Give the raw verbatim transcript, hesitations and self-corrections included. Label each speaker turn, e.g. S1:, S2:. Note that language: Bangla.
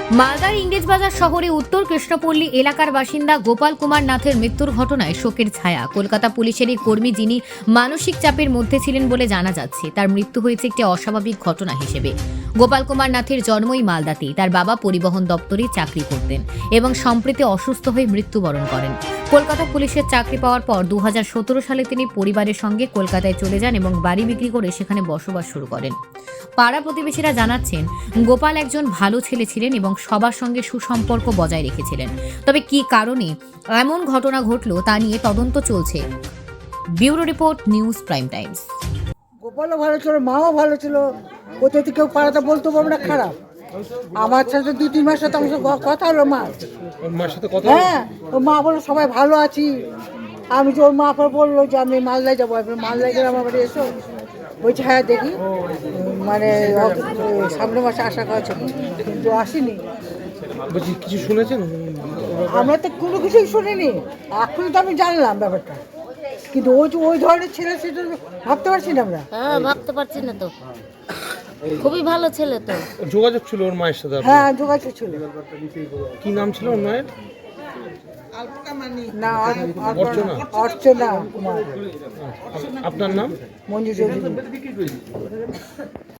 S1: মালদার ইংরেজবাজার শহরে উত্তর কৃষ্ণপল্লী এলাকার বাসিন্দা গোপাল কুমার নাথের মৃত্যুর ঘটনায় শোকের ছায়া। কলকাতা পুলিশেরই কর্মী, যিনি মানসিক চাপের মধ্যে ছিলেন বলে জানা যাচ্ছে। তার মৃত্যু হয়েছে একটি অস্বাভাবিক ঘটনা হিসেবে। গোপাল কুমার নাথের জন্মই মালদাতেই। তার বাবা পরিবহন দপ্তরে চাকরি করতেন এবং সম্প্রতি অসুস্থ হয়ে মৃত্যুবরণ করেন। কলকাতা পুলিশের চাকরি পাওয়ার পর দু হাজার সতেরো সালে তিনি পরিবারের সঙ্গে কলকাতায় চলে যান এবং বাড়ি বিক্রি করে সেখানে বসবাস শুরু করেন। পাড়া প্রতিবেশীরা জানাচ্ছেন, গোপাল একজন ভালো ছেলে ছিলেন এবং সবার সঙ্গে সুসম্পর্ক বজায় রেখেছিলেন। তবে কী কারণে এমন ঘটনা ঘটল তা নিয়ে তদন্ত চলছে। Bureau report, news prime times.
S2: গোপালও ভালো ছিল, মাও ভালো ছিল। কোথা থেকে কেউ পাড়াতে বলতে পারবো না খারাপ। আমার সাথে দুই তিন মাস সাথে আমার সাথে কথা হলো মা
S3: ওর মার সাথে কথা
S2: হ্যাঁ ও মা বললো সবাই ভালো আছি। আমি যে ওর মা পর বললো যে আমি মালদায় যাবো, মালদায় গেলে আমার বাড়ি এসো। বলছি হ্যাঁ দেখি, মানে সামনের মাসে আশা করা ছিল কিন্তু আসেনি।
S3: বলছি কিছু শুনেছেন?
S2: আমরা তো কোনো কিছুই শুনিনি, এখন তো আমি জানলাম ব্যাপারটা। কিন্তু ওই যে ওই ধরনের ছেলে সেটা ভাবতে পারছি না আমরা।
S4: হ্যাঁ, ভাবতে পারছি না তো। খুবই ভালো ছেলে তো।
S3: যোগাযোগ ছিল ওর মায়ের সাথে আপনার?
S2: হ্যাঁ যোগাযোগ ছিল।
S3: কি নাম ছিল ওর মায়ের?
S2: না
S3: অর্চনা।
S2: অর্চনা কুমার।
S3: আপনার নাম?
S2: মঞ্জু চৌধুরী।